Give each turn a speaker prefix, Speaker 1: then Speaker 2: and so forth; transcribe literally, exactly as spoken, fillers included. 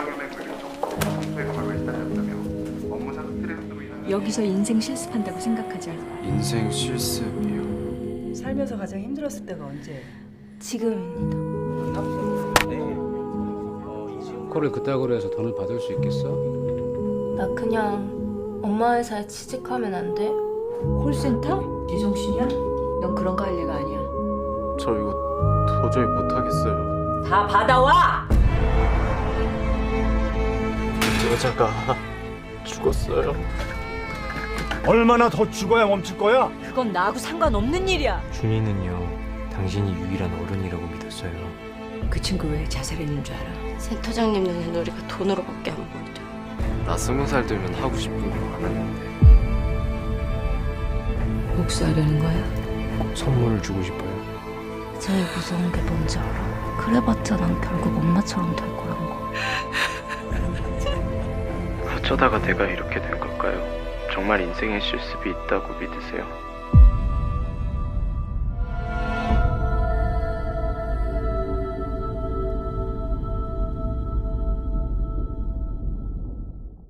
Speaker 1: 여기서 인생 실습한다고 생각하자.
Speaker 2: 인생 실습이요.
Speaker 3: 살면서 가장 힘들었을 때가 언제?
Speaker 1: 지금입니다.
Speaker 4: 코를 그따구로 해서 돈을 받을 수 있겠어?
Speaker 5: 나 그냥 엄마 회사에 취직하면 안 돼?
Speaker 1: 콜센터? 제정신이야? 넌 그런 거 할 리가 아니야.
Speaker 2: 저 이거 도저히 못하겠어요.
Speaker 3: 다 받아와!
Speaker 2: 여자가 죽었어요.
Speaker 6: 얼마나 더 죽어야 멈출 거야?
Speaker 3: 그건 나하고 상관없는 일이야.
Speaker 7: 준이는요, 당신이 유일한 어른이라고 믿었어요.
Speaker 1: 그 친구 왜 자살했는 줄 알아?
Speaker 5: 센터장님 눈엔 우리가 돈으로밖에 안 보이죠.
Speaker 2: 나 스무 살 되면 하고 싶은 거 많았는데
Speaker 1: 복수하려는 거야?
Speaker 7: 선물을 주고 싶어요.
Speaker 5: 제일 무서운 게 뭔지 알아? 그래봤자 난 결국 엄마처럼 될 거란 거.
Speaker 2: 어쩌다가 내가 이렇게 된 걸까요? 정말 인생에 실습이 있다고 믿으세요?